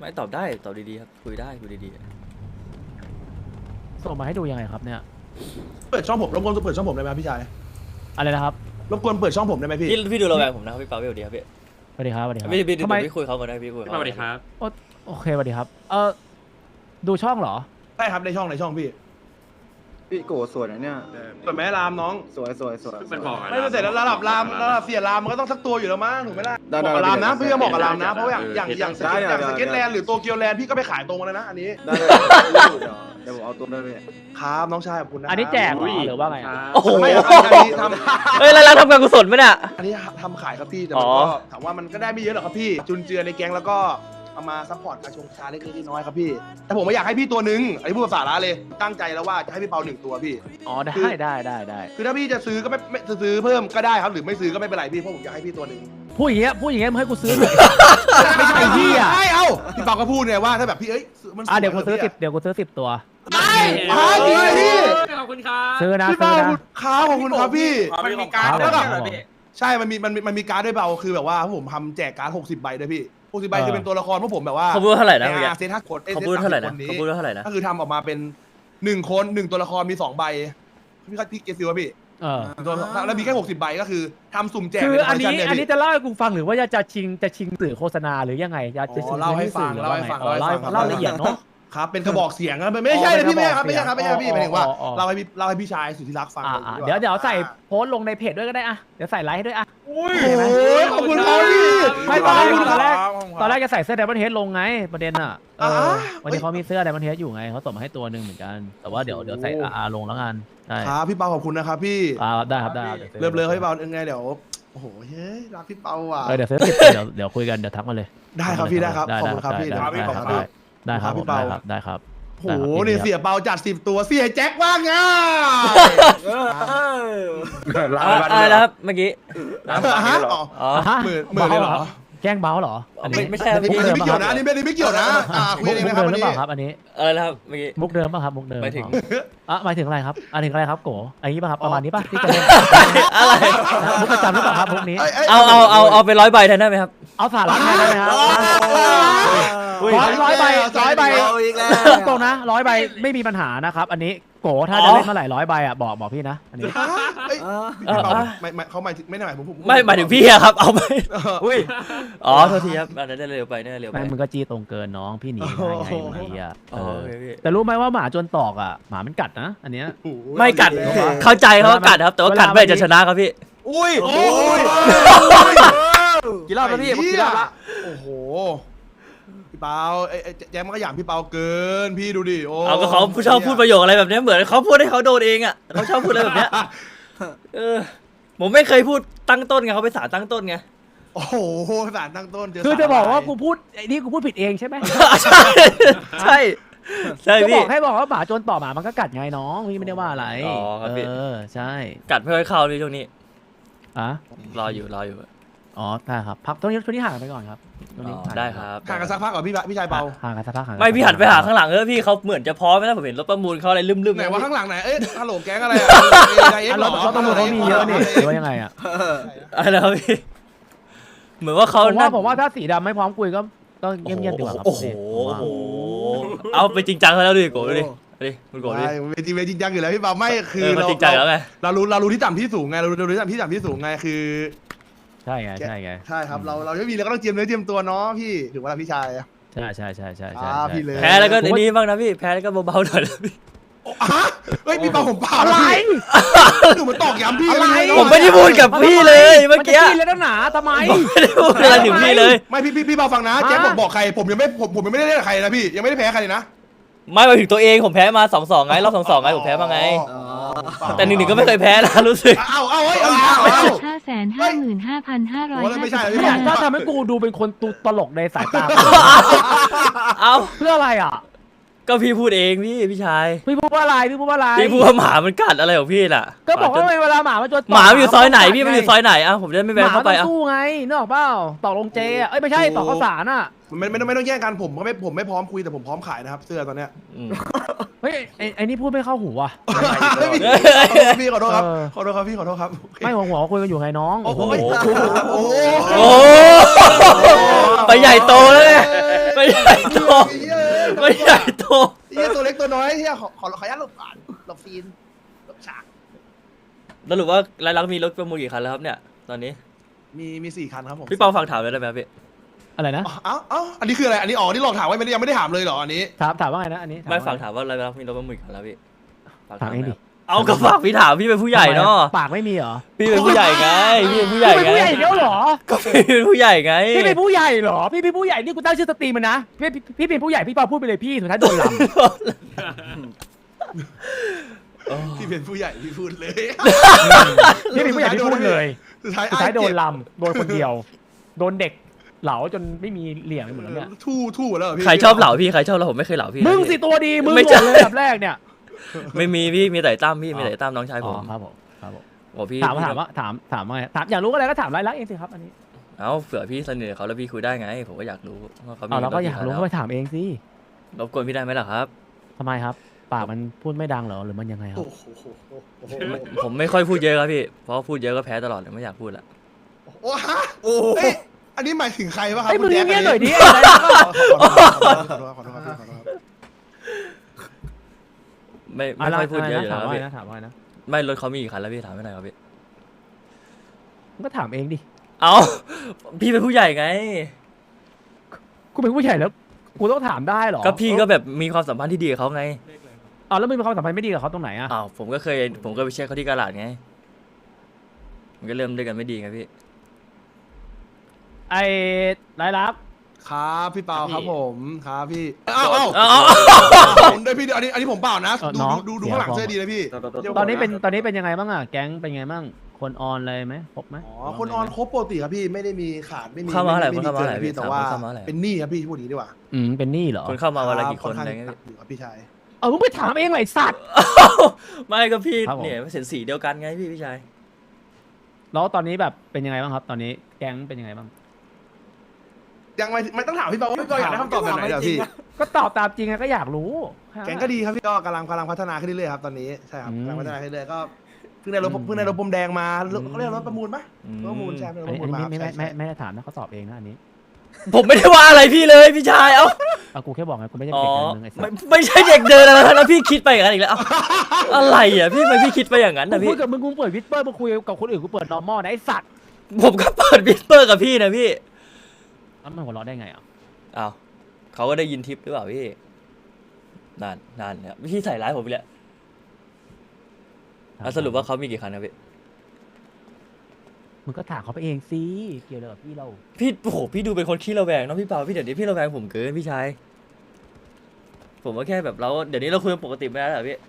ไม่ตอบได้ตอบดีๆครับคุยได้คุยดีส่งมาให้ดูยังไงครับเนี่ยเปิดช่องผมรบกวนเปิดช่องผมได้ไหมพี่ชายอะไรนะครับรบกวนเปิดช่องผมได้ไหมพี่ๆพี่ดูระแวงผมนะครับพี่เปาพี่สวัสดีครับพี่สวัสดีครับสวัสดีครับพี่ทำไมพี่คุยเขาก่อนได้พี่คุยเขาสวัสดีครับโอเคสวัสดีครับดูช่องเหรอได้ครับในช่องพี่พี่โกสวยนะเนี่ยเปิดแม่รามน้องสวยเป็นบอกไม่เสร็จแล้วระดับรามระดับเสียรามมันก็ต้องสักตัวอยู่แล้วมั้งถูกไหมล่ะได้บอกกับรามนะได้พี่ก็บอกกับรามนะเพราะว่าอย่างสได้ได้เก็ตแลนด์หรือโตเกียวแลนด์พี่ก็ไปขายตรงมาแล้วนะอันนี้ได้เดี๋ยวผมเอาตัวได้เลยครับน้องชายขอบคุณนะอันนี้แจกเหรอหรือว่าไงอะโอ้โหไม่ครับอันนี้ทำเฮ้ยแล้วทำการกุศลไหมเนี่ยอันนี้ทำขายครับพี่แต่มันก็ถามว่ามันก็ได้ไม่เยอะหรอกครับพี่จุนเจือในแก๊งแล้วก็เอามาซัพพอร์ตการชงชาเล็กๆน้อยๆครับพี่แต่ผมไม่อยากให้พี่ตัวนึงอันนี้พูดภาษาละเลยตั้งใจแล้วว่าจะให้พี่เปา1ตัวพี่อ๋อได้คือถ้าพี่จะซื้อก็ไม่ซื้อเพิ่มก็ได้ครับหรือไม่ซื้อก็ไม่เป็นไรพี่เพราะผมอยากให้พี่ตัวนึงพูดอย่างเงี้ยมึงให้กูซื้อหน่อย ไม่ใช่พี่อ่ะใช่เอ้าพี่เปาก็พูดไงว่าถ้าแบบพี่มันเดี๋ยวกูซื้อ10ตัวไม่จริงเลยพี่ขอบคุณครับซื้อนะพี่ซื้เปาอนะขอบคุณครับพี่มันมีการครับแล้วก็ใช่มันมีการ์ดด้วยเปล่าคือแบบว่าผมทำแจกการ์ด60 ใบด้วยพี่60 ใบคือเป็นตัวละครพวกผมแบบว่าเขาพูดว่าเท่าไหร่นะเมื่อกี้เซต5 คนเขาพูดเท่าไหร่นะคนนี้เขาพูดว่าเท่าไหร่นะก็คือทำออกมาเป็น1 คน1ตัวละครมี2 ใบพี่เกซิวะพี่แล้วมีแค่60 ใบก็คือทำสุ่มแจกคืออันนี้ใเยอันนี้พี่จะเล่าให้กูฟังหรือว่าจะชิงสื่อโฆษณาหรือยังไงจะชิงเล่าให้ฟังหรือว่าไงเล่าให้ฟังเล่าละเอียดเนาะครับเป็นกระบอกเสียงนะไม่ใช่นะพี่ไม่ใช่ครับไม่ใช่ครับพี่หมายถึงว่าอ๋อเล่าให้พี่ชายสุดที่รักฟังเดี๋ยวใส่โพสต์ลงในเพจด้วยก็ได้อะเดี๋ยวใส่ไลค์ให้ด้วยอะโอ้ยขอบคุณครับพี่ไม่ตอนแรกจะใส่เสื้อ Diamond Head ลงไงประเด็นอ่ะวันนี้เขามีเสื้อ Diamond Head อยู่ไงเขาส่งมาให้ตัวหนึ่งเหมือนกันแต่ว่าเดี๋ยวใส่ลงแล้วกันใช่ครับพี่เปาขอบคุณนะครับพี่ได้ครับได้เริ่มเลยพี่เปายังไงเดี๋ยวโอ้โหเฮ้ยรักพี่เปาว่ะเดี๋ยวซื้อเดี๋ยวคุยกันเดี๋ยวทักมาเลยได้ครับพี่ได้ครับขอบคุณครับพี่ได้ครับได้ครับโอ้โหนี่เสียเปาจัด10 ตัวเสียแจ็คว่าไงอะไรนะครับเมื่อกี้ฮะอ๋อหมื่นเลยเหรอแกล้งเบ้าเหรอไม่ใช่อันนี้ไม่เกี่ยวนะอันนี้ไม่เกี่ยวนะคุยมุกเองนะคเดิรับมวันหรือนี้เปล่าครับอันนี้อะไรนะครับเมื่อกี้มุกเดิมป่ะครับมุกเดิมหมายถึงหมายถึงอะไรครับหมายถึงอะไรครับโกอันนี้ป่ะครับประมาณนี้ป่ะที่จะเล่นอะไรมุกประจำหรือเปล่าครับมุกนี้เอาไป100 ใบแทนได้ไหมครับเอาสาระแทนได้ไหมครับร้อยใบตรงนะ100 ใบไม่มีปัญหานะครับอันนี้โกถ้าจะเล่นเมื่อไหร่100 ใบอ่ะบอกพี่นะอันนี้เขาหมายถึงไม่ได้หมายผมไม่หมายถึงพี่อะครับเอาไปอุ้ยอ๋อโทษทีครับอันนั้นได้เร็วไปได้เร็วไปไม่มึงก็จี้ตรงเกินน้องพี่หนีได้ไงไอ้เหี้ยอ๋อโอเคพี่แต่รู้ไหมว่าหมาจนตอกอ่ะหมามันกัดนะอันเนี้ยไม่กัดเข้าใจเขาว่ากัดครับแต่ว่ากัดไม่จะชนะครับพี่อุ้ยกี่รอบแล้วพี่กี่รอบละโอ้โหพี่เปาแจ๊มันก็หยามพี่เปาเกินพี่ดูดิโอ้เอาก็เขาชอบพูดประโยคอะไรแบบนี้เหมือนเขาพูดให้เขาโดนเองอ่ะเขาชอบพูดอะไรแบบเนี้ยผมไม่เคยพูดตั้งต้นไงเขาไปสารตั้งต้นไงโอ้โหสารตั้งต้นคือจะบอกว่ากูพูดไอ้นี่กูพูดผิดเองใช่ไหมใช่ใช่ใช่จะบพี่อกให้บอกว่าหมาจนต่อหมามันก็กัดไงน้องพี่ไม่ได้ว่าอะไรอ๋อครับพี่ใช่กัดไม่ค่อยเข้าเลยช่วงนี้อ่ะรออยู่อ๋อได้ครับพักตรงนี้ห่างไปก่อนครับตรงนี้ได้ครับห่างกันสักพักก่อนพี่ชายเปาห่างกันสักพักห่างไม่พี่หันไปหาข้างหลังพี่เขาเหมือนจะพร้อมไหมนะผมเห็นรถประมูลเขาอะไรลืมๆไหนว่าข้างหลังไหนฮัลโหลแก๊งอะไรรถตำรวจเขามีเยอะนี่หรือว่ายังไงอ่ะอะไรครับพี่เหมือนว่าเขาผมว่าถ้าสีดำไม่พร้อมคุยก็เงียบๆดีกว่าครับโอ้โหเอาไปจริงจังเขาแล้วดิโกดูดิคุณโกดูดิเวทีจริงจังอยู่แล้วพี่เปาไม่คือมันจริงจังแล้วไงเรารู้ที่ต่ำที่สูงไงเรารู้ที่ต่ำที่สูงไงคือใช่ไงใช่ครับเราไม่มีเราก็ต้องเตรียมเนื้อเตรียมตัวเนาะพี่ถือว่าพี่ชายใช่พี่เลยแพ้แล้วก็นี้บ้างนะพี่แพ้แล้วก็เบาๆหน่อยนะพี่เฮ้ยพี่เปาผมเปล่าอะไรหนูมันตอกย้ำพี่อะไรผมไม่ได้พูดกับพี่เลยเมื่อกี้มันจะกินแล้วหนาทำไมไม่ได้พูดอะไรถึงพี่เลยไม่พี่เปาฟังนะแจ็คบอกใครผมยังไม่ได้เล่นกับใครนะพี่ยังไม่ได้แพ้ใครเลยนะไม่มาถึงตัวเองผมแพ้มา 2-2 ไงรอบ 2-2 ไงผมแพ้มาไงแต่1-1ก็ไม่เคยแพ้นะรู้สึกเอา555,500 ไม่ใช่เนี่ยถ้าทำให้กูดูเป็นคนตลกในสายตาเอาเพื่ออะไรอ่ะก็พี่พูดเองพี่ชายพี่พูดว่าอะไรพี่พูดว่าหมามันกัดอะไรของพี่น่ะก็บอกว่าเวลาหมามันจนหมาอยู่ซอยไหนพี่มันอยู่ซอยไหนอ่ะผมจะไม่แวะเข้าไปหมาอ่ะต้องสู้ไงนึกออกเปล่าต่อลงเจอ่ะไม่ใช่ต่อข้าวสารอ่ะไม่ต้องแย่งกันผมไม่พร้อมคุยแต่ผมพร้อมขายนะครับเสื้อตอนเนี้ยเฮ้ยไอ้นี่พูดไม่เข้าหูว่ะพี่ขอโทษครับพี่ขอโทษครับไม่หัวคุยกันอยู่ไงน้องโอ้โหโอ้ไปใหญ่โตแล้วไงไปไม่ใหญ่โตไม่ใหญ่โตเฮียตัวเล็กตัวน้อยเฮียขออนุญาตหลบก่อนหลบซีนหลบฉากแล้วหรือว่ารายลักษณ์มีรถประมูลกี่คันแล้วครับเนี่ยตอนนี้มี4 คันครับผมพี่เปาฝากถามเลยได้ไหมครับพี่อะไรนะเอ้าอันนี้คืออะไรอันนี้นี่หลอกถามไว้ยังไม่ได้ถามเลยเหรออันนี้ถามว่าไงนะอันนี้ไม่ว่ฝากถามว่ารายลักษณ์มีรถประมูลกี่คันแล้วพี่ฝากถามเองดิเอาก็ฝากพี่ถามพี่เป็นผู้ใหญ่เนาะปากไม่มีเหรอพี่เป็นผู้ใหญ่ไงพี่เป็นผู้ใหญ่พี่เป็นไงผู้ใหญ่แล้วเหรอก็พี่เป็นผู้ใหญ่ไงพี่เป็นผู้ใหญ่เหรอพี่เป็นผู้ใหญ่นี่กูตั้งชื่อสตรีมมันนะพี่เป็นผู้ใหญ่พี่เปาพูดไปเลยพี่สุดท้ายโดนลที่เป็นผู้ใหญ่พี่พูดเลยำพี่เป็นผู้ใหญ่ที่พูดเลยสุดท้ายสุดท้ายโดนลำโดนคนเดียวโดนเด็กเหลาจนไม่มีเหลี่ยมไปหมดแล้วเนี่ยทู่หมดแล้วเหรอพี่ใครชอบเหล่าพี่ใครชอบเหล่าผมไม่เคยเหล่าพี่นะมึงพี่สิตัวดีมึงไม่หมใช่ดเลยอันดับแรกเนี่ยไม่มีพี่มีแต่ตั้มพี่มีแต่ตั้มน้องชายอ๋ผอมครับผมครับผมโอ้พี่ถามว่าไงถามอยากรู้อะไรก็ถามรายลักษณ์เองสิครับอันนี้เอ้าเผื่อพี่สนิทกับเขาแล้วพี่คุยได้ไง ผมก็อยากรู้ว่าเขามีเอาเราก็ถอยากรู้คันก็แล้วไปถามเองสิรบกวนพี่ได้ไหมล่ะครับทำไมครับปากมันพูดไม่ดังเหรอหรือมันยังไงครับโอ้โหผมไม่ค่อยพูดเยอะครับพี่เพราะพูดเยอะก็แพ้ตลอดเลยไม่อยากพูดละโอ้ฮะเอ้ยอันนี้หมายถึงใครวะครับไอ้ยมึงคุณแจ๊คเงียบๆหน่อยดิขอโทษครับไม่ค่อยพูดเยอะอยู่แล้วถามครับว่าพี่นะถามว่านะไม่รถเขามีกี่คันแล้วพี่ถามไม่หน่อยครับพี่มึงก็ถามเองดิเอ้าพี่เป็นผู้ใหญ่ไงกูเป็นผู้ใหญ่แล้วกูต้องถามได้เหรอก็พี่ก็แบบมีความสัมพันธ์ที่ดีกับเขาไงเอาแล้วมึงมีความสัมพันธ์ไม่ดีกับเขาตรงไหนอะอ้าวผมก็ไปเช็คเขาที่กาลาดไงมันก็เริ่มด้วยกันไม่ดีไงพี่ไอ้รายลักษณ์ครับพี่เปาครับผมครับพี่เอ้าผมด้วยพี่อันนี้ผมเปล่านะ ดูข้างหลังเสื้อดีนะพี่ตอนนี้เป็นยังไงบ้างอะแก๊งเป็นยังไงบ้างคนออนเลยไหมครบไหมอ๋อคนออนครบปกติครับพี่ไม่ได้มีขาดไม่มีเข้ามาเท่าไหร่ไม่คนเข้ามาเท่าไหร่พี่พี่แต่ว่าเข้ามาเท่าไหร่เป็นหนี้ครับพี่พูดอย่างนี้ดีกว่าเป็นหนี้เหรอคนเข้ามาวันละกี่คนค่อะไรข้างเงี้ยหนัพี่กอยู่ครับพี่ชายเอามึงไปถามเองเลยไอ้สัตว์ไม่ก็พี่ครับผมเนี่ยเสียสีเดียวกันไงพี่ชายแล้วตอนนี้แบบเป็นยังไงบ้างครับ ตอนนี้แก๊งเป็นยังไงบ้างยังไม่ต้องถามพี่เปาว่าพี่เปาอยากได้คำตอบแบบไหนเดี๋ยวพี่ก็ตอบตามจริงไงก็อยากรู้แกงก็ดีครับพี่ก็กำลังพัฒนาขึ้นเรื่อยๆครับตอนนี้ใช่ครับอืมกำลังพัฒนาขึ้นเรื่อยๆก็เพิ่งได้รถพรมแดงมาเขาเรียกรถประมูลปะรถประมูลใช่ไหมรถอันประมูลนี้มาไม่ใช่ไม่ได้ถามนะเขาตอบเองนะอันนี้ผมไม่ได้ว่าอะไรพี่เลยพี่ชายเอ้าเอากูแค่บอกไงกูไม่ใช่อ๋อเด็กการเมืองไอ้สัตไม่ว์ไม่ใช่เด็กเดินอะไรแล้วพี่คิดไปอย่างนั้นอีกแล้วเอ้าอะไรอ่ะพี่ทำไมพี่คิดไปอย่างนั้นกูนะพูพี่ดกับมึงกูเปิดวิสเปอร์มาคุยกับคนอื่นกูเปิดนอร์มอลนะไอ้สัตว์ผมก็เปิดวิสเปอร์กับพี่นะพี่แล้วมันหัวเราะได้ไงอ่ะอ้าวเขาก็ได้ยินทิปหรือเปล่าพี่นั่นเนี่ยพี่ใส่ร้ายผมไปแล้วแล้วสรุปว่าเขามีกี่คันครับพี่มึงก็ถามเขาไปเองสิเกี่ยวอะไรกับพี่เราพี่โอ้โหพี่ดูเป็นคนขี้ระแวงเนาะพี่เปาพี่เดี๋ยวนี้พี่ระแวงผมเกินพี่ชายผมก็แค่แบบเดี๋ยวนี้เราคุยกันปกติไม่ได้เหรอพี่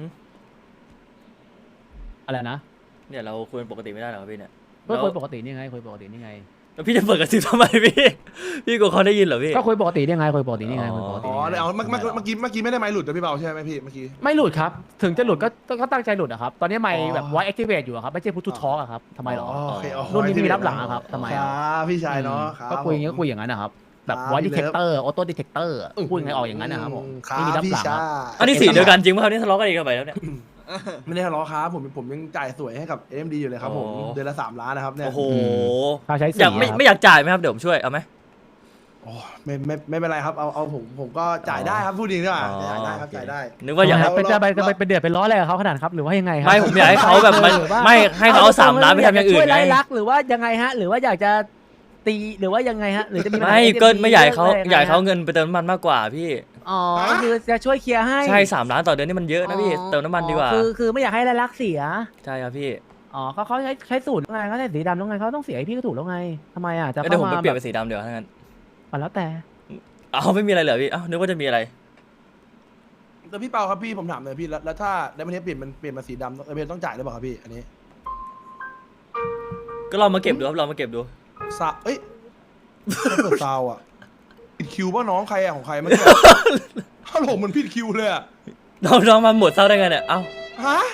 อะไรนะเนี่ยเราคุยกันปกติไม่ได้เหรอครับพี่เนี่ยก็คุยปกตินี่ไงคุยปกตินี่ไงแล้วพี่จะเปิดกระซิบทำไมพี่พี่กลัวเขาได้ยินเหรอพี่ก็คุยปกตินี่ไงคุยปกตินี่ไงคุยปกติอ๋อนี่ไงเอาเมื่อกี้ไม่ได้ไมค์หลุดนะพี่เปาใช่ไหมพี่เมื่อกี้ไม่หลุดครับ ถึงจะหลุดก็ตั้งใจหลุดอะครับ ตอนนี้ไมค์แบบไวแอคทีเวตอยู่อะครับ ไม่ใช่พูดทูทอล์กอะครับทำไมหรอโอเคอ๋อรุ่นนี้มีรับหลังอะครับทำไมคอะรับพี่ชายเนาะครับก็คุยอย่างนี้ก็คุยอย่างนั้นนะครับ แบบครับไวดีเทคเตอร์ออโต้ดีเทคเตอร์อืมพูดยังไงออกอย่างนั้นนะครับผมครับไม่มีรับพี่หลังชาครับยอันนี้สีเดียวกันจริงป่ะครับนี่ทะเลาะกันอีกกันไปแล้วเนี่ยไม่ได้ทะเลาะครับผมยังจ่ายสวยให้กับ AMD อยู่เลยครับผมโอ้เดือนละ3 ล้านนะครับเนี่ยโอ้โหค่าใช้สีอยากครับไม่อยากจ่ายไหมครับเดี๋ยวผมช่วยเอาไหมโอ้ไม่เป็นไรครับเอาผมก็จ่ายได้ครับพูดจริงด้วยอ๋อจ่ายได้ครับจ่ายได้นึกว่าอยากให้เป็นเดือดเป็นร้อนอะไรกับเขาขนาดครับหรือว่ายังไงครัไม่ผมอยากให้เขาแบบมันหรือว่าไม่ให้เขาเอา3 ล้านไปทำอย่างอื่นช่วยไงไล่ลักหรือว่ายังไงฮะ หรือว่าอยากจะตีหรือว่ายังไงฮะหรือจะมีปัญหาไม่ AMD ก็ไม่อยากให้เขาหรือยากให้เขาเงินไปเติมน้ำมันมากกว่าพี่อ๋อคือจะช่วยเคลียร์ให้ใช่3 ล้านต่อเดือนนี่มันเยอะนะพี่เติมน้ำมันดีกว่าคือไม่อยากให้ไล่ลักเสียใช่ครับพี่อ๋อเขาใช้สูตรแล้วไงเขาใช้สีดำแล้วไงเขาต้องเสียให้พี่ก็ถูกแล้วไงทำไมอ่ะจะเดี๋ยวเข้าผมมาไปเปลี่ยนเป็นสีดำเดี๋ยวถ้างั้นอ่ะแล้วแต่เอาไม่มีอะไรเหรอพี่เอ้านึกว่าจะมีอะไรแต่พี่เปาครับพี่ผมถามเลยพี่แล้วถ้าไดมอนเทสเปลี่ยนมาสีดำเอเมต้องจ่ายหรือเปล่าครับพี่อันนี้ก็ลองมาเก็บดูครับลองมาเก็บดูเอ้ยไม่เปิดซาวอ่ะผิดคิวป่ะน้องใครอ่ะของใครเมื่อกี้ ฮัลโหลมันผิดคิวเลยอ่ะน้องมาหมดเศร้าได้ไงเนี่ยเอ้าฮะ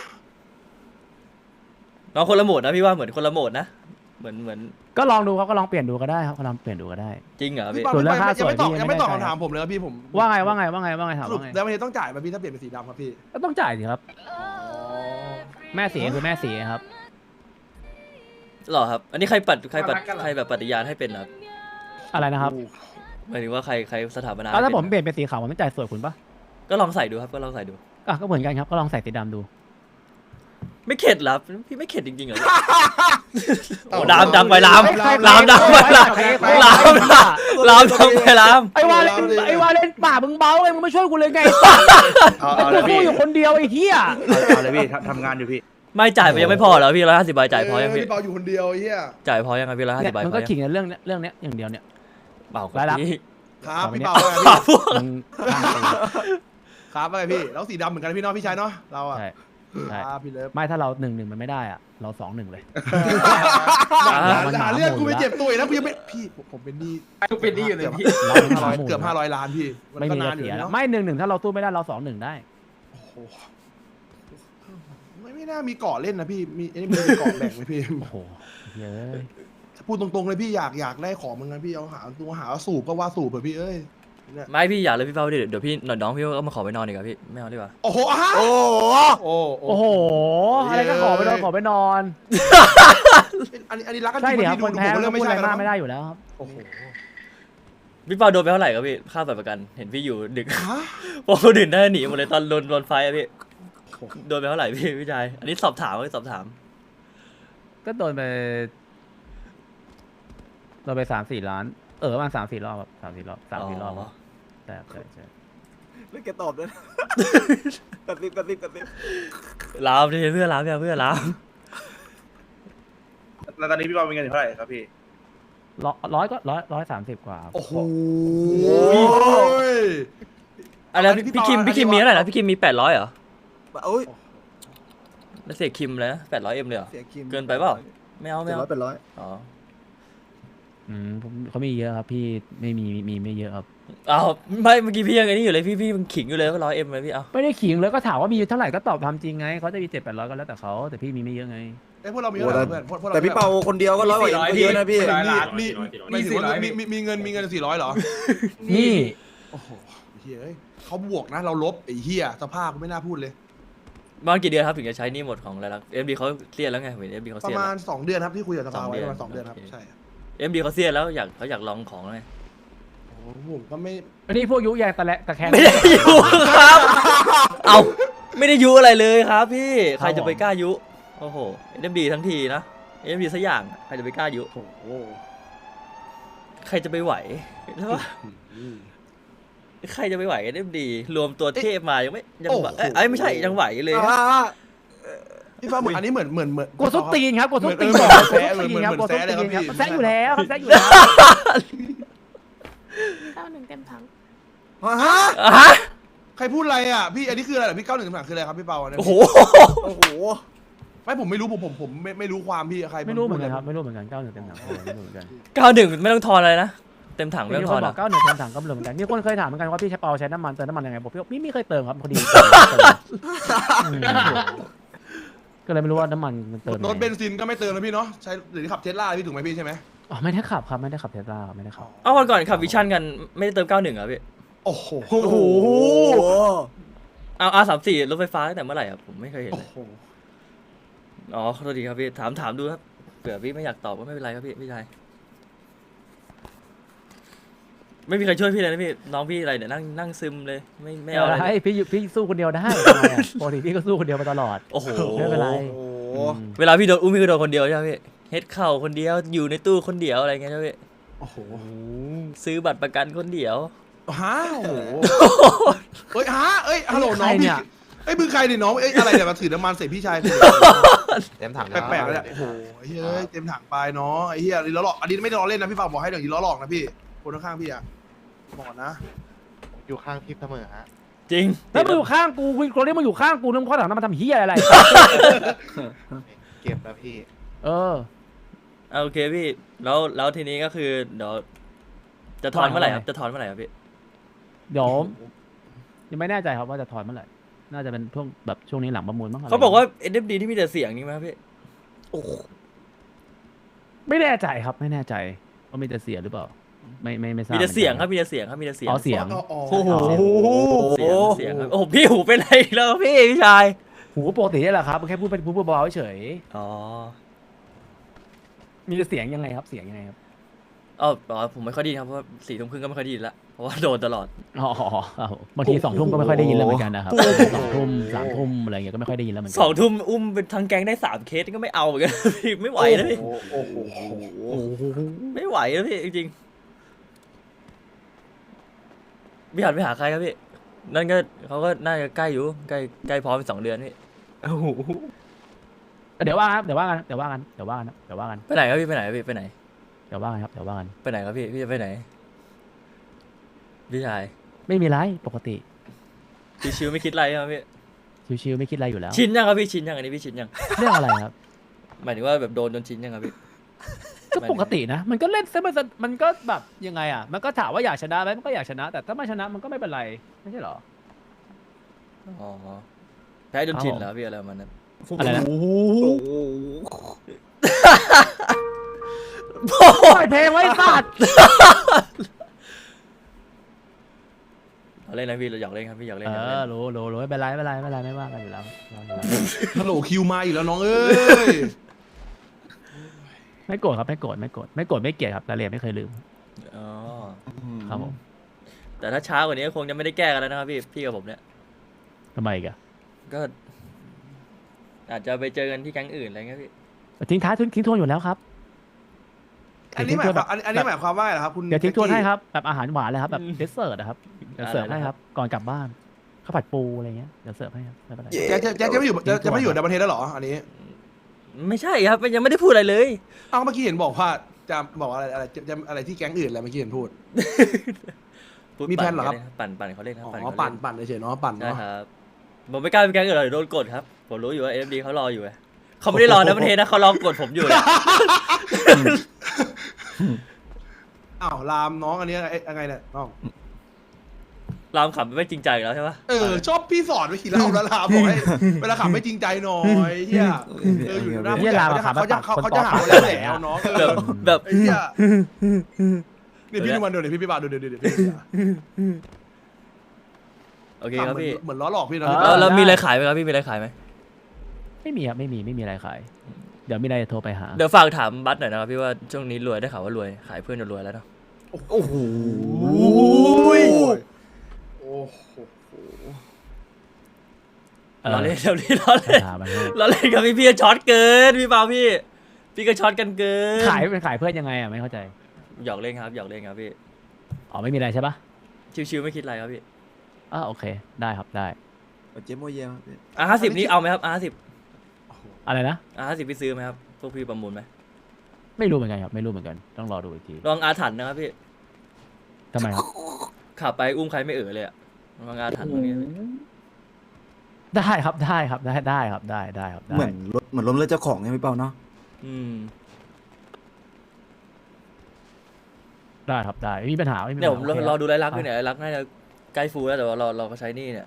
น้องคนละโหมดนะพี่ว่าเหมือนคนละโหมดนะเหมือนก็ลองดูครับก็ลองเปลี่ยนดูก็ได้ครับก็ลองเปลี่ยนดูก็ได้จริงเหรอพี่พี่เปาส่วนเรื่องค่าสวยพี่ยังไม่ตอบไม่แน่ใจคำถามผมเลยครับพี่ผมว่าไงถามสรุปว่าไงไดมอนเทสต้องจ่ายป่ะพี่ถ้าเปลี่ยนเป็นสีดำครับพี่ก็ต้องจ่ายสิครับ แม่สีคือแม่สีครับหรอครับ อันนี้ใครแบบปฏิญาณให้เป็นเหรอครับอะไรนะครับหมายถึงว่าใครสถาปนาแล้วถ้าผมป็นเปลี่ยนเป็นสีขาวผมไม่จ่ายสวยคุณปะก็ลองใส่ดูครับก็ลองใส่ดูอ่ะก็เหมือนกันครับก็ลองใส่สีดำดูไม่เข็ดเหรอพี่ไม่เข็ดจริงๆเหรอโอ้ลามดังไปลามใครลามดังไปลามใครลามลามดังไปลามไอ้วาเลนป่ามึงเบาไงมึงไม่ช่วยกูเลยไงเอาเลยกูพี่อยู่คนเดียวไอ้เหี้ยเอาเลยพี่ทำงานอยู่พี่ไม่จ่ายไปยังไม่พอเหรอพี่150 ใบจ่ายพอยังพี่พี่เปาอยู่คนเดียวไอ้เหี้ยจ่ายพอยังครับพี่150 ใบมันพก็อยังขิงในเรื่องเนี้ยอย่างเดียวเนี่ยเปล่าครายรัรับบพี่ครับพี่เปามึงครับอะไรพี่แล้วสีดำเหมือนกันพี่เนาะพี่ชายเนาะเราอะใช่ใช่ครับพี่เลิฟไม่ถ้าเรา1-1มันไม่ได้อ่ะเรา2-1เลยหาเรื่องกูไปเจ็บตัวอีกแล้วกูยังไม่พี่ผมเป็นหนี้กูเป็นนี่อยู่เลยพี่เราเป็นหมาหมู่เกือบ500 ล้านพี่มันไม่ก็มีนาจะนอยู่เสียแล้วเนาะไม่1-1ถ้าเราสู้ไม่ได้เรา2-1ได้โอ้โหไม่น่ามีเกาะเล่นนะพี่มีไอ้นี่มีเกาะแบ่งไหมพี่โอ้โหเย้ยพูดตรงๆเลยพี่อยากได้ของมึงนะพี่เอาหาตัวหาสูบก็ว่าสูบเถอะพี่เอ้ยเนี่ยไม่พี่อย่าเลยพี่เฝ้าดิเดี๋ยวพี่น้องพี่ก็มาขอไปนอนดีกว่าพี่ไม่เอาดีกว่าโอ้โหอ่ะโอ้โหโอ้โหอะไรก็ขอไปนอนขอไปนอนอันนี้รักกันจใช่ริงเดี๋ยวพี่คนแพ้ดูก็เรื่องพูไม่ดอะไรใช่กันมากนะไม่ได้อยู่แล้วครับโอ้โหพี่เปาโดนไปเท่าไหร่ครับพี่ค่าบัตรประกันเห็นพี่อยู่ดึกฮะพวกคนอื่นได้หนีหมดเลยตอนโดนไฟอะพี่โดนไปเท่าไหร่พี่ชายอันนี้สอบถามสอบถามก็โดนไป3-4 ล้านประมาณ3-4 รอบครับ3-4 รอบ3-4 รอบใช่ใช่แล้วแกตอบด้วยนะกระซิบลามดิเพื่อนลามเพื่อนลามแล้วตอนนี้พี่บอลมีเงินอยู่เท่าไหร่ครับพี่ร้อยก็130 กว่าครับโอ้โหอะไรพี่คิมมีเท่าไหร่นะพี่คิมมี800เหรอโอ้ยแล้วเสียคิมเลยนะ800Mเลยเหรอเสียคิมเกินไปเปล่าไม่เอาเป็นร้อยอ๋อเขามีเยอะครับพี่ไม่มีไม่เยอะครับเอาไม่เมื่อกี้พี่ยังไงนี่อยู่เลยพี่มันขิงอยู่เลยว่า100Mเลยพี่เอาไม่ได้ขิงเลยก็ถามว่ามีเท่าไหร่ก็ตอบทำจริงไงเขาจะมี700-800ก็แล้วแต่เขาแต่พี่มีไม่เยอะไงไอ้พวกเรามีเท่าไหร่เพื่อนพวกเราแต่พี่เปาคนเดียวก็100 กว่าเยอะนะพี่มีเงิน400เหรอนี่โอ้โหเฮ้ยเขาบวกนะเราลบไอ้เหี้ยสภาพไม่น่าพูดเลยมากี่เดือนครับถึงจะใช้หนี่หมดของอะไรล่ะ MD เขาเสียแล้วไงเห็น MD เขาประเสียมาแล้ณว 2 เดือนครับที่คุยกับสภา 2 ไว้เดือนประมาณ2 เดือนครับโอเคใช่ MD เขาเสียแล้วเขาอยากลองของแล้วไงโอ้โหผมก็ไม่อันนี้พวกยุแยงตะแคงไม่ได้ยุครับ เอาไม่ได้ยุอะไรเลยครับพี่ใครจะไปกล้ายุโอ้โห MD ทั้งทีนะ MD สักอย่างใครจะไปกล้ายุโอ้โหใครจะไปไหวใช่ปะใครจะไปไหวกันได้ดีรวมตัวเทพมายังไม่ยังไหวเอ้ยไม่ใช่ยังไหวเลยฮะพี่ฟ้าอันนี้เหมือนกดส้นตีนครับกดส้นตีนเหมือนกดส้นตีนครับกดส้นตีนครับแซะอยู่แล้วครับแซะอยู่แล้ว 91เต็มถังฮะฮะใครพูดอะไรอ่ะพี่อันนี้คืออะไรเหรอพี่91คำถามคืออะไรครับพี่เปาเนี่ยโอ้โหโอ้โหไม่ผมไม่รู้ผมไม่รู้ความพี่ใครไม่รู้เหมือนกันครับไม่รู้เหมือนกัน91เต็มถังไม่รู้เหมือนกัน 91ไม่ต้องทอนอะไรนะเต็มถังไม่มีต้องคทอน นบออ่ะก91เต็มถังก็เหมือนกันมีคนเคยถามเหมือนกันว่าพี่ใช้เปาใช้น้ำมันเติมน้ำมันยังไงบอกพี่ไม่เคยเติมครับพอดีก็เลยไม่รู้ว่าน้ำมันมันเติมรถเบนซินก็ไม่เติมนะพี่เนาะใช้หรือขับเทสลาพี่ถูกไหมพี่ใช่ไหมอ๋อไม่ได้ขับครับไม่ได้ขับเทสลาไม่ได้ขับเอาวันก่อนขับวิชั่นกันไม่ได้เติม91อ่ะพี่โอ้โหโอ้โหเอา R34รถไฟฟ้าตั้งแต่เมื่อไหร่อ่ะผมไม่เคยเห็นโอ้เลยโหอ๋อขอโทษทีครับพี่ถามดูครับเผื่อพี่ไม่อยากตอบก็ไม่เป็นไรครับพี่ชายไม่มีใครช่วยพี่เลยนะพี่น้องพี่อะไรเนี่ยนั่งซึมเลยไม่เอาอะไรเลยพี่สู้คนเดียวได้ปกติพี่ก็สู้คนเดียวมาตลอดโอ้โหไม่เป็นไรโอ้โหเวลาพี่โดนอุ้มพี่ก็โดนคนเดียวใช่ไหมพี่เฮ็ดเข่าคนเดียวอยู่ในตู้คนเดียวอะไรเงี้ยใช่ไหมพี่โอ้โหซื้อบัตรประกันคนเดียวฮะโอ้โหเอ้ยฮะเอ้ยฮัลโหลน้องพี่เอ้ยมือใครเนี่ยน้องเอ้ยอะไรเนี่ยมาถือน้ำมันใส่พี่ชายเต็มถังแปลกๆเลยเนี่ยโอ้โหไอ้เฮ้ยเต็มถังไปเนาะไอ้เหี้ยล้อหลอกอันนี้ไม่ได้ล้อเล่นนะพี่ฝากบอกให้เดี๋ยวนี้ล้อหลอกนะพี่คนข้างๆพี่อะบอกนะอยู่ข้างพี่เสมอฮะจริงแล้วมึงอยู่ข้างกูคุยคนนี้มึงอยู่ข้างกูนึกข้อถังน้ำมันทำเฮียอะไรเก็บแล้วพี่เออโอเคพี่แล้วทีนี้ก็คือเดี๋ยวจะถอนเมื่อไหร่ครับจะถอนเมื่อไหร่ครับพี่เดี๋ยวยังไม่แน่ใจครับว่าจะถอนเมื่อไหร่น่าจะเป็นช่วงแบบช่วงนี้หลังประมูลมั้งเขาบอกว่า NFD ที่มีแต่เสียงนี่ไหมครับพี่ไม่แน่ใจครับไม่แน่ใจว่ามีแต่เสียหรือเปล่าไม่ทราบมีแต่เสียงครับมีแต่เสียงครับมีแต่เสียงอ๋อเสียงโอ้โหเสียงครับโอ้โหพี่หูเป็นไรอีกแล้วพี่ชายหูปกตินี่แหละครับมันแค่พูดเบาๆเฉยอ๋อมีแต่เสียงยังไงครับเสียงยังไงครับอ๋อผมไม่ค่อยไดีครับเพราะว่า4 ทุ่มครึ่งก็ไม่ค่อยไดีละเพราะว่าโดนตลอดอ๋อบางที2 ทุ่มก็ไม่ค่อยได้ยินแล้วเหมือนกันนะครับ2 ทุ่ม3 ทุ่มอะไรเงี้ยก็ไม่ค่อยได้ยินแล้วเหมือนกั 2 ทุ่มอุ้มเป็นทั้งแก๊งได้3 เคสก็ไม่เอาเหมือนกัน พี่ไม่ไหวนะพี่โอ้โหไม่ไหวนะพี่จริงๆพี่หันไปหาใครครับพี่นั่นก็เขาก็น่าจะใกล้อยู่ใกล้พร้อมเป็น2 เดือนพี่เดี๋ยวว่าครับเดี๋ยวว่ากันเดี๋ยวว่ากันเดี๋ยวว่ากันเดี๋ยวว่ากันไปไหนครับพี่ไปไหนครับพี่ไปไหนเดี๋ยวว่ากันครับเดี๋ยวว่ากันไปไหนครับพี่จะไปไหนพี่ชายไม่มีไรปกติชิวๆไม่คิดอะไรครับพี่ชิวๆไม่คิดอะไรอยู่แล้วชินยังครับพี่ชินยังอันนี้พี่ชินยังเรื่องอะไรครับหมายถึงว่าแบบโดนจนชินยังครับพี่ก็ปกตินะ มันก็เล่นซะมันก็แบบยังไงอ่ะมันก็ถามว่าอยากชนะไหมมันก็อยากชนะ แต่ถ้าไม่ชนะมันก็ไม่เป็นไรไม่ใช่เหรออ๋อแพ้จนชินแล้วพี่อะไรประมาณนั้นอะไรนะโอ้โหปล่อยเพลงไว้สัตว์เราเล่นนะพี่เราอยากเล่นครับพี่อยากเล่นเออยากเล่อน รู้ไม่เป็นไรไม่ว่ากันอยู่แล้วฮัลโหลคิวมาอยู่แล้วน้องเอ้ยไม่โกรธครับไม่โกรธไม่เกลียดครับรายละเอียดไม่เคยลืมอ๋อครับผมแต่ถ้าช้ากว่านี้ก็คงจะไม่ได้แก้กันแล้วนะครับพี่กับผมเนี่ยทำไมอีกอะก็ อาจจะไปเจอกันที่แก๊งอื่นอะไรเงี้ยพี่ทิ้งท้ายทิ้งทวนอยู่แล้วครับอันนี้หมายความอันนี้หมายความว่าไงเหรอครับคุณเดี๋ยวทิ้งทวนให้ครับแบบอาหารหวานเลยครับแบบเดสเซอร์นะครับเดี๋ยวเสิร์ฟให้ครับก่อนกลับบ้านข้าวผัดปูอะไรเงี้ยเดี๋ยวเสิร์ฟให้ครับไม่เป็นไรแจ็คจะไม่อยู่จะไม่อยู่ในประเทศแล้วเหรออันนี้ไม่ใช่ครับยังไม่ได้พูดอะไรเลยเอ้าเมื่อกี้เห็นบอกว่าจะบอกจะอะไรที่แก๊งอื่นอะไรเมื่อกี้เห็นพูดพูดมีแผนเหรอครับปั่นเขาเล่นครับอ๋ปั่นอเขาเล่นปั่นเฉยๆเนาะปั่นใช่เนาะครับผมไม่กล้าไปแก๊งอื่นหรอกเดี๋ยวโดนกดครับผมรู้อยู่ว่า FD เขารออยู่ไงเขาไม่ได้รอนะประเทศนะเขารอกดผมอยู่เลยอ้าวลามน้องอันนี้ยังไงเนี่ยน้องรามขำไม่จริงใจอีกแล้วใช่ปะชอบพี่สอนไปขี่เล่าแล้วลามบอกให้เวลาขับไม่จริงใจหน่อยเฮียอยู่หน้าผู้ใหญ่เขาจะหาว่าแล้วแหละน้องแบบไอ้เฮียนี่พี่ดูมันดูดิพี่บาดูดิโอเคครับพี่เหมือนล้อหลอกพี่นะแล้วมีอะไรขายไหมครับพี่มีอะไรขายไหมไม่มีครับไม่มีอะไรขาย เดี๋ยวมีอะไรจะโทรไปหาเดี๋ยวฝากถามบัสหน่อยนะครับพี่ว่าช่วงนี้รวยได้ข่าวว่ารวยขายเพื่อนจนรวยแล้วเนาะโอ้โหเออเราเล่นเราเล่นเราเล่นหามาให้เราเล่นกับพี่ช็อตเกินพี่เปาพี่ก็ช็อตกันเกินขายเพื่อนยังไงอ่ะไม่เข้าใจหยอกเล่นครับหยอกเล่นครับพี่อ๋อไม่มีอะไรใช่ปะชิวๆไม่คิดอะไรครับพี่โอเคได้ครับได้เจ๊โมเยม 50นี้เอาไหมครับ50 อะไรนะ 50พี่ซื้อไหมครับพวกพี่ประมูลไหมไม่รู้เหมือนกันครับไม่รู้เหมือนกันต้องรอดูอีกทีลองอาถรรพ์นะครับพี่ทำไมครับขับไปอุ้มใครไม่เลยอะลองอาถรรพ์ตรงนี้ได้ครับได้ครับได้ครับได้ครับได้เหมือนล้มเลิกเจ้าของไงพี่เปาเนาะอืมได้ครับได้ไม่มีปัญหาไม่มีปัญเนี่ยหาผมโอเครอดูไรลักษณ์ด้วยเนี่ยไรลักษณ์น่าจะใกล้ฟูลแล้วแต่ว่าเราก็ใช้นี่เนี่ย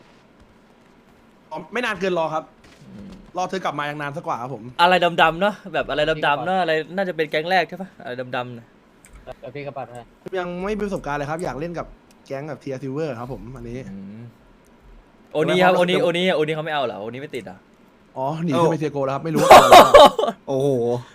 ไม่นานเกินรอครับอืมรอเธอกลับมายังนานสักกว่าครับผมอะไรดำๆเนาะแบบอะไรดำๆเนาะอะไรน่าจะเป็นแก๊งแรกใช่ปะอะไรดำๆเนี่ยพี่กระปัดให้ยังไม่มีประสบการณ์เลยครับอยากเล่นกับแก๊งแบบเทียร์ซิลเวอร์ครับผมอันนี้อืมโอนี้ครับโอนี้เขาไม่เอาเหรอโอนี้ไม่ติดอ่ะอ๋อหนีขึ้นไปเทียโกแล้วครับไม่รู้ว่าโอ้โห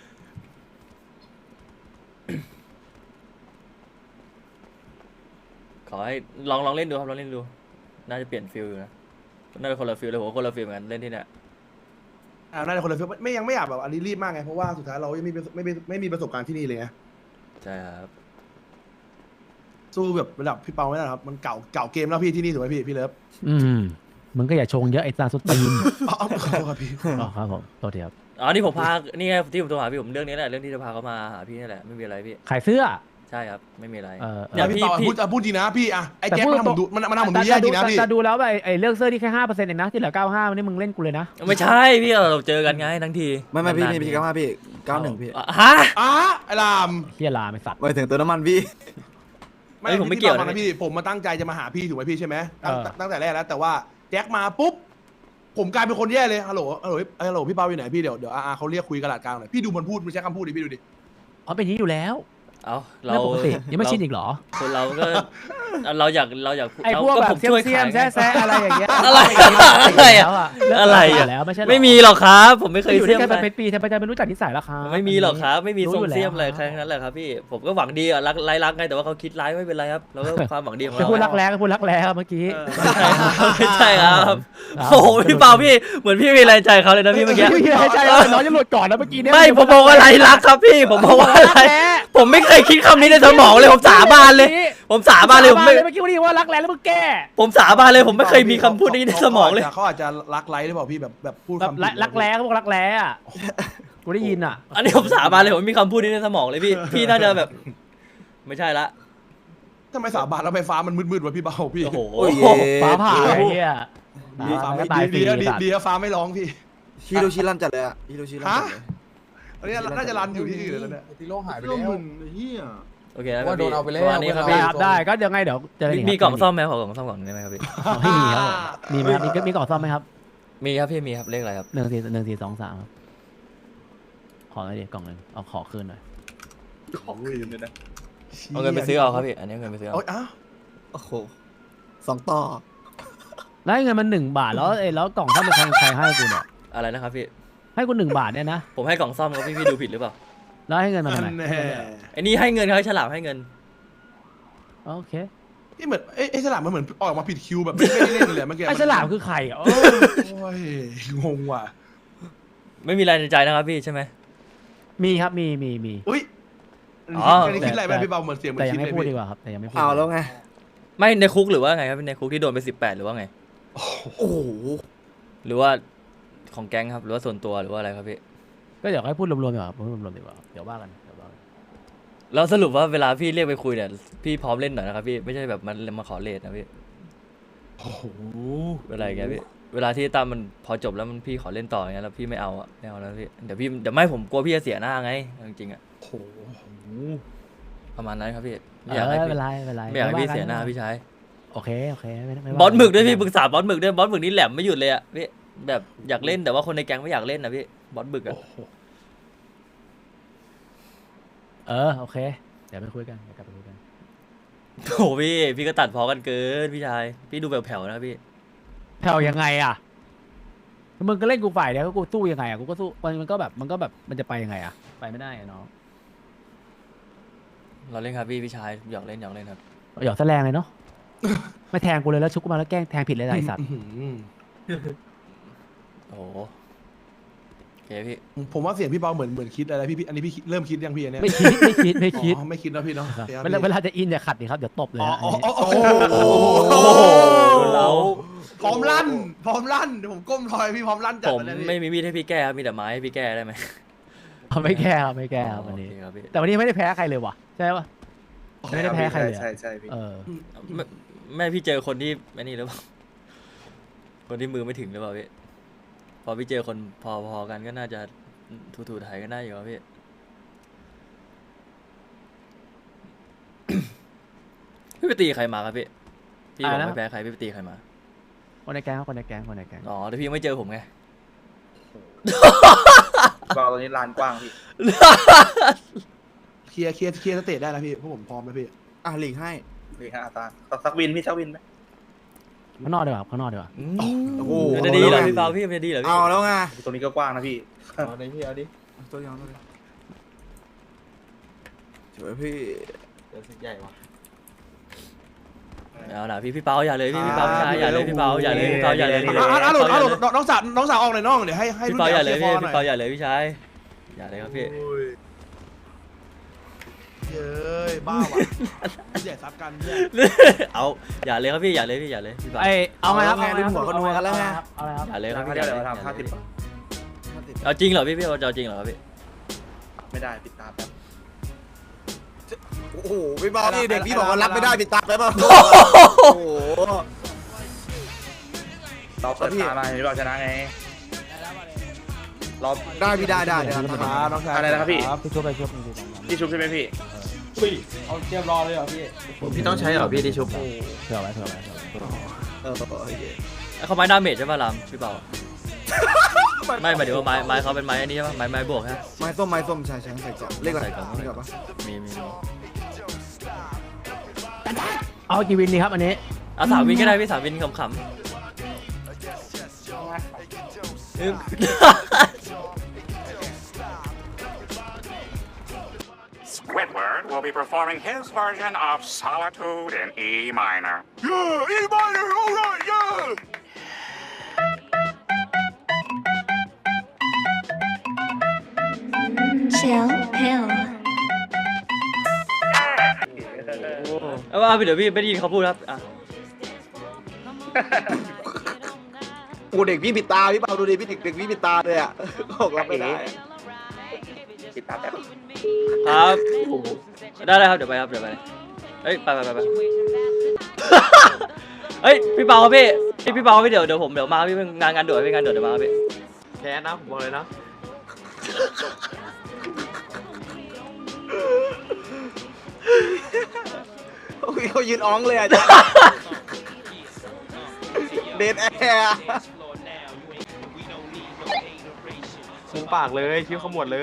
ขอให้ลองเล่นดูครับลองเล่นดู น่าจะเปลี่ยนฟิลอยู่นะน่าจะคนละฟิลเลยผมคนละฟิลเหมือนกันเล่นที่เนี่ยน่าจะคนละฟิลไม่ยังไม่อยากแบบอันนี้รีบมากไงเพราะว่าสุดท้ายเรายังไม่มีประสบการณ์ที่นี่เลยไงใช่ครับสู้แบบระดับพี่เปาไม่ได้ครับมันเก่าเกมแล้วพี่ที่นี่ถูกไหมพี่เลิฟมึงก็อย่าชงเยอะไอ้ตาสุดตีนอ๋อขอโทษครับพี่อ๋อครับผมโทษทีครับอ๋อนี่ผมพานี่ไงที่ผมโทรหาพี่ผมเรื่องนี้แหละเรื่องที่จะพาเขามาหาพี่นี่แหละไม่มีอะไรพี่ขายเสื้อใช่ครับไม่มีอะไรเออเนี่ยพี่พี่เปาพี่พูดจริงนะพี่อะไอ้แจ็คแต่พูดมันทำผมดูแย่จริงนะพี่แต่ดูแล้วไอ้เลือกเสื้อที่แค่5%เองนะที่เหลือ95นี่มึงเล่นกูเลยนะไม่ใช่พี่เราเจอกันไงทั้งทีไม่พี่นานๆพี่95พี่91พี่ฮะไอ้ลามเฮียลาไม่สัตว์ไปถึงเติมน้ำมันพี่เอ้ยผมไม่เกี่ยวนะนะพี่ผมมาตั้งใจจะมาหาพี่ถูกไหมพี่ใช่ไหมเออตั้งแต่แรกแล้วแต่ว่าแจ็คมาปุ๊บผมกลายเป็นคนแย่เลยฮัลโหลพี่เปาอยู่ไหนพี่เดี๋ยวเขาเรียกคุยกระดาษกลางหน่อยพี่ดูมันพูดมันใช้คำพูดดิพี่ดูดิอ๋อเป็นอย่างนี้อยู่แล้วเอาเรื่องปกติยังไม่ชินอีกเหรอคนเราก็เราอยากไอ้พวกก็แบผบมเสี้ยช่วยมเสี้ยขาม ยแซ่อะไรอย่างเงี้ยอะไรอะ อะไรอะแล้วไม่ใช่หรอไม่มีหรอกครับ ผมไม่เคยอยู่เสี้ด้วย ยมกันอะไรมาเป็นปีทำไมจะไม่รู้จักนิสัยล่ะครับไม่มีหรอกครับ ไม่มีรู้ทรงอยู่แล้วเสี้ยมอะไรแค่นั้นแหละครับพี่ผมก็หวังดีอะรักไงแต่ว่าเขาคิดร้ายไม่เป็นไรครับเราก็ความหวังดีของจะเราพูดรักแร้ก็พูดรักแร้ครับเมื่อกี้ไม่ใช่ครับครับโอ้โหพี่เปาพี่เหมือนพี่มีอะไรใจเขาเลยนะพี่เมื่อกี้ไม่มีอะไรใจเลยน้องจะหลุดก่อนนะเมื่อกี้เนี่ยไม่ผมบอกว่าไรรักครับพี่ผมบอกว่าอะไรผมไม่เคยคิดคำนี้ในสมองเลยผมสาบานเลย ผมสาบานเลยผมไม่เมื่อกี้วันนี้ว่ารักแร้แล้วมึงแก้ผมสาบานเลยผมไม่เคยมีคำพูดนี้ในสมองเลยเขาอาจจะรักไลท์หรือเปล่าพี่แบบพูดแบบคำผิดรักแร้เขาบอกรักแร้อะกูได้ยินอ่ะอันนี้ผมสาบานเลยผมไม่มีคำพูดนี้ในสมองเลยพี่พี่น่าจะแบบ ไม่ใช่ละทำไมสาบานแล้วไฟฟ้ามันมืดๆวะพี่เบาพี่โอ้โหโอ้ยฟ้าผ่าไอ้เหี้ยดีฟ้าไม่ตายฟรีดีฟ้าไม่ร้องพี่ฮิโรชิรันจัดเลยอะฮิโรชิรันจัดเลยอันนี้น่าจะรันอยู่ที่อื่นแล้วเนี่ยติโลหายไปแล้วเฮียโอเคแล้วว่าโดนเอาไปแล้วประมาณนี้ครับได้พี่ครับได้ก็ยังไงเดี๋ยวเจอกันมีกล่องซ่อมไหมขอกล่องซ่อมก่อนได้ไหมครับพี่ให้มีครับมีไหมครับมีกล่องซ่อมไหมครับมีครับพี่มีครับเลขอะไรครับ 1 4 2 3ครับขอหน่อยดิกล่องนึงเอาขอคืนหน่อยเอาเงินไปซื้อเอาครับพี่อันนี้เอาเงินไปซื้อเอาโอ้ยอ้าวโอ้โห2 ต่อแล้วให้เงินมัน1 บาทแล้วกล่องซ่อมเป็นใครให้กูเนี่ยอะไรนะครับพี่ให้กู1 บาทเนี่ยนะผมให้กล่องซ่อมครับพี่ดูผิดหรือเปล่าแล้วให้เงินมาทำไมแน่ไอ้นี่ให้เงินเขาให้ฉลามให้เงินโอเคนี่เหมือนไอ้ฉลามมันเหมือนออกมาผิดคิวแบบไม่ได้เล่นเลยเมื่อกี้ไอ้ฉลามคือใครอ่ะโอ้ยงงว่ะไม่มีอะไรในใจนะครับพี่ใช่ไหมมีครับมีอุ้ยอ๋ออันนี้คิดอะไรไปพี่เบาเหมือนเสียงเหมือแต่นยังคิดไม่เลยพูดดีพี่กว่าครับแต่ยังไม่พูดเอาแล้วไงไม่ในคุกหรือว่าไงครับในคุกที่โดนไป18หรือว่าไงโอ้โหหรือว่าของแก๊งครับหรือว่าส่วนตัวหรือว่าอะไรครับพี่ก็เดี๋ยวให้พูดรวมๆดีกว่าครับพูดรวมๆดีกว่าเดี๋ยวว่ากันแล้วสรุปว่าเวลาพี่เรียกไปคุยเนี่ยพี่พร้อมเล่นหน่อยนะครับพี่ไม่ใช่แบบมันมาขอเลทนะพี่โอ้โหเวลาอย่างเงี้ยพี่เวลาที่ตามมันพอจบแล้วมันพี่ขอเล่นต่ออย่างเงี้ยแล้วพี่ไม่เอาอะไม่เอาแล้วพี่เดี๋ยวไม่ผมกลัวพี่จะเสียหน้าไงจริงๆอะประมาณนั้นครับพี่ไม่อยากให้ไม่พี่เป็นไรไม่เป็นไรไม่อยากให้พี่เสียหน้าพี่ชายโอเคไม่บอสหมึกด้วยพี่ปรึกษาบอสหมึกด้วยบอสหมึกนี่แหลมไม่หยุดเลยอะพี่แบบอยากเล่นแต่ว่าคนในแก๊งไม่อยากเล่นนะพี่บอสหมึกอะโอเคเดี๋ยวไปคุยกันเดี๋ยวกลับไปคุยกันโอ้พี่ก็ตัดพอกันเกินพี่ชายพี่ดูแผ่วๆนะพี่แผ่วยังไงอ่ะมึงก็เล่นกูฝ่ายเดียวกูสู้ยังไงอ่ะกูก็สู้มันก็แบบมันจะไปยังไงอ่ะไปไม่ได้อะน้องเราเล่นครับพี่ชายอยากเล่นครับหยอกแสลงเลยเนาะ ไม่แทงกูเลยแล้วชุกกูมาแล้วแกล้งแทงผิดเลยนะไอ้สัตว์โอ้โหโอเคพี่ผมว่าเสียงพี่เบาเหมือนคิดอะไรพี่อันนี้พี่เริ่มคิดยังพี่อันเนี้ยไม่คิดอ๋อไม่คิดแล้วพี่เนาะเวลาจะอินอย่าขัดดิครับเดี๋ยวตบเลยอ๋อนะอ๋ออันนี้โอ้โหโอ้โหเราพร้อมลั่นเดี๋ยวผมก้มทอยพี่พร้อมลั่นจัดผมเลยไม่มีมีดให้พี่แก้ครับมีแต่ไม้ให้พี่แก้ได้ไหมไม่แก้ครับวันนี้โอเคครับพี่แต่วันนี้ไม่ได้แพ้ใครเลยว่ะใช่ปะไม่ได้แพ้ใครเลยอะใช่พี่แม่พี่เจอคนที่ไม่นี่หรือเปล่าคนที่มือไม่ถึงหรือเปล่าพี่พอพี่เจอคนพอกันก็น่าจะถูไถกันได้อยู่ครับพี่ พี่ไปตีใครมาครับพี่พี่บอกไม่แพ้ใครพี่ไปตีใครมาคนในแก๊งคนในแก๊งอ๋อแต่พี่ยังไม่เจอผมไงเบาตอนนี้ลานกว้างพี่เคลียร์สเตจได้แล้วพี่พวกผมพร้อมแล้วพี่หลีกให้นี่ฮะอาตาสักวินพี่สักวินไหมข้างนอกดีกว่าข้างนอกดีกว่าโอ้โหมันจะดีเหรอพี่เปาพี่มันจะดีเหรอพี่เอาแล้วไงตรงนี้ก็กว้างนะพี่เอาดิพี่เอาดิตัวยังสวยพี่เดี๋ยวสิใหญ่ว่ะเอาล่ะพี่เปาอย่าเลยพี่เปาพี่ชายอย่าเลยพี่เปาอย่าเลยพี่เปาอย่าเลยน้องสาวออกหน่อยน้องเดี๋ยวให้พี่รุ่นเปาใหอญ่ย่าเลยเคลีพี่ยร์ฟอหน่พี่อยเปาอย่าเลยพี่ชายอย่าเลยครับพี่เย้ยบ้าว่ะใหญ่ซับกันเนี่ยเอาอย่าเลยครับพี่อย่าเลยพี่อย่าเลยพี่เปาเอาไงครับเอาไงดึงหัวก็นัวกันแล้วไงเอาเลยครับอย่าเลยครับพี่เดี๋อยวย่าเลยเราทำ50 เอาจริงเหรอพี่เอาจริงเหรอครับพี่ไม่ได้ปิดตาแป๊บโอ้โหพี่บอลนี่เด็กพี่บอกว่ารับไม่ได้ปิดตาแล้วเปล่าโอ้โหเราเปิดตามาพี่เราชนะไงรอบได้พี่ได้น้องชายอะไรนะครับพี่พี่ชุบไปชุบพี่ชุบใช่ไหมพี่เอาเตรียมรอเลยเหรอพี่พี่ต้องใช้เหรอพี่ที่ชุบเผื่อไว้โอเคเขาไม้ดาเมจใช่ป่ะลำพี่เปาไม่หมายถึงว่าไม้เขาเป็นไม้อันนี้ใช่ปะไม้บวกฮะไม้ส้มใช่ใช่ใส่กล่องเลขอะไรใส่กล่องนี่ก่อนปะมีเอากี่วินดีครับอันนี้เอา3 วินก็ได้พี่3 วินขำๆ Squidward will be performing his version of Solitude in E minor. Yeah, E minor, all right, yeah. Chill pill. เอาว่าเดี๋ยวพี่ไม่ได้ยินเขาพูดครับอ่ะโอ้เด็กพี่ปิดตาพี่เปาดูดิพี่เด็กพี่ปิดตาเลยอ่ะบอกรับไม่ได้ปิดตาแป๊บครับได้ครับเดี๋ยวไปเฮ้ยไปเฮ้ยพี่เปาครับพี่เปาพี่เดี๋ยวผมมาพี่งานด่วนพี่งานด่วนเดี๋ยวมาพี่แพ้นะผมบอกเลยนะโอ้ยเขายืนอ้องเลยอ่ะจ๊ะเดนแอร์มุมปากเลยคิ้วขมวดเลย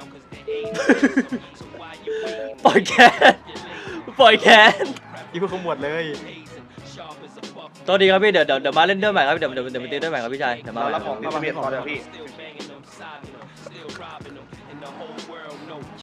ปล่อยแขนคิ้วขมวดเลยตัวดีครับพี่เดี๋ยวมาเล่นด้วยใหม่ครับเดี๋ยวมาตีด้วยใหม่ครับพี่ชายเดี๋ยวมาเรารับของเข้ามาเมียพอเดี๋ยวพี่